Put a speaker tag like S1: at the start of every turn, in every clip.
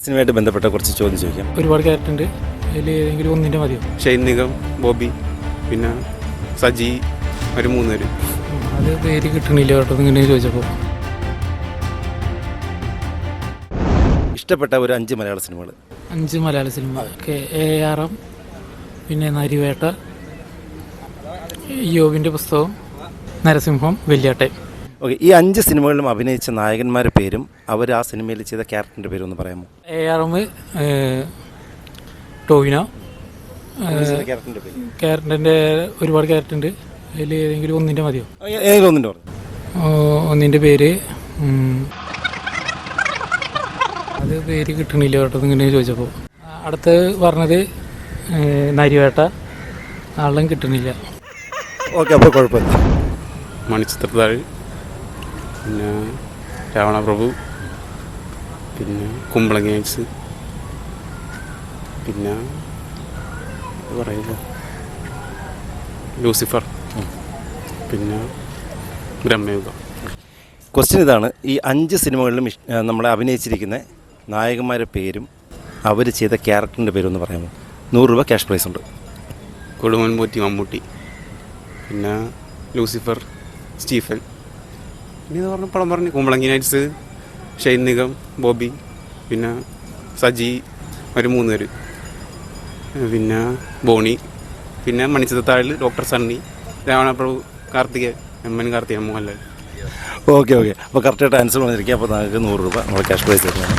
S1: സിനിമയായിട്ട് ബന്ധപ്പെട്ട കുറച്ച് ചോദ്യം ചോദിക്കാം.
S2: ഒരുപാട് ക്യാരക്ടർ ഉണ്ട്, അതിൽ ഏതെങ്കിലും ഒന്നിൻ്റെ മതിയോ?
S3: ഷൈൻ നിഗം, ബോബി, പിന്നെ സജി, ഒരു 3 പേര്.
S2: അത് പേര് കിട്ടണില്ല കേട്ടോ ഇങ്ങനെ ചോദിച്ചപ്പോൾ.
S1: ഇഷ്ടപ്പെട്ട ഒരു 5 മലയാള സിനിമകൾ.
S2: 5 മലയാള സിനിമ. AR, പിന്നെ നരിവേട്ട, യോബിൻ്റെ പുസ്തകം, നരസിംഹം, വെള്ളിയാട്ടൻ.
S1: ഓക്കെ, ഈ 5 സിനിമകളിലും അഭിനയിച്ച നായകന്മാരുടെ പേരും അവർ ആ സിനിമയിൽ ചെയ്ത ക്യാരക്ടറിൻ്റെ പേരും ഒന്ന് പറയാമോ?
S2: AR ടോവിനോ.
S1: ക്യാരക്ടറിൻ്റെ പേര്
S2: ക്യാരക്ടറിൻ്റെ ഒരുപാട് ക്യാരക്ടർ ഉണ്ട്, അതിൽ ഏതെങ്കിലും ഒന്നിൻ്റെ മതിയോ?
S1: ഏതെങ്കിലും ഒന്നിൻ്റെ പറഞ്ഞു.
S2: ഒന്നിൻ്റെ പേര് അത് പേര് കിട്ടണില്ല കേട്ടോ ഇങ്ങനെ ചോദിച്ചപ്പോൾ. അടുത്ത് പറഞ്ഞത് നരിവേട്ട, ആളും കിട്ടണില്ല.
S1: ഓക്കെ, അപ്പോൾ കുഴപ്പമില്ല.
S3: മണിച്ചിത്രത്താഴ്, പിന്നെ രാവണപ്രഭു, പിന്നെ കുമ്പളങ്ങി നൈറ്റ്സ്, പിന്നെ പറയുമ്പോൾ ലൂസിഫർ, പിന്നെ ബ്രഹ്മയുഗം.
S1: ക്വസ്റ്റ്യൻ ഇതാണ്: ഈ 5 സിനിമകളിലും നമ്മളെ അഭിനയിച്ചിരിക്കുന്ന നായകന്മാരുടെ പേരും അവർ ചെയ്ത ക്യാരക്ടറിൻ്റെ പേരും ഒന്ന് പറയാമോ? 100 രൂപ ക്യാഷ് പ്രൈസ് ഉണ്ട്.
S3: കൊടുമൻ പോറ്റി മമ്മൂട്ടി, പിന്നെ ലൂസിഫർ സ്റ്റീഫൻ, പിന്നെ ഇത് പറഞ്ഞ പടം പറഞ്ഞു കുമ്പളങ്ങി നൈറ്റ്സ്, ഷൈൻ നിഗം, ബോബി, പിന്നെ സജി, ഒരു 3 പേര്, പിന്നെ ബോണി, പിന്നെ മണിച്ചിത്രത്താഴിൽ ഡോക്ടർ സണ്ണി, രാവണപ്രഭു, കാർത്തികേയൻ, എമ്മൻ കാർത്തികേയൻ, മോഹൻലാൽ.
S1: ഓക്കെ, അപ്പോൾ കറക്റ്റായിട്ട് ആൻസർ പറഞ്ഞിരിക്കുക. അപ്പോൾ നിങ്ങൾക്ക് 100 രൂപ നമ്മൾ ക്യാഷ് പ്രൈസ് തരുന്നതാണ്.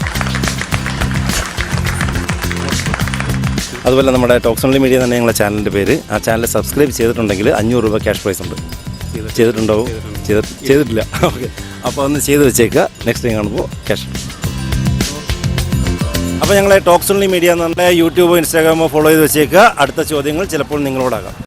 S1: അതുപോലെ നമ്മുടെ ടോക്സ് ഓൺലി മീഡിയ തന്നെ ഞങ്ങളുടെ ചാനലിൻ്റെ പേര്. ആ ചാനൽ സബ്സ്ക്രൈബ് ചെയ്തിട്ടുണ്ടെങ്കിൽ 500 രൂപ ക്യാഷ് പ്രൈസ് ഉണ്ട്. ചെയ്തിട്ടുണ്ടാവും? ചെയ്തിട്ടില്ല. ഓക്കെ, അപ്പോൾ ഒന്ന് ചെയ്ത് വെച്ചേക്കുക. നെക്സ്റ്റ് ടൈം കാണുമ്പോൾ ക്യാഷ്. അപ്പോൾ ഞങ്ങളെ ടോക്സ് ഓൺലി മീഡിയ എന്ന് പറഞ്ഞാൽ യൂട്യൂബോ ഇൻസ്റ്റാഗ്രാമോ ഫോളോ ചെയ്ത് വെച്ചേക്കുക. അടുത്ത ചോദ്യങ്ങൾ ചിലപ്പോൾ നിങ്ങളോടാകാം.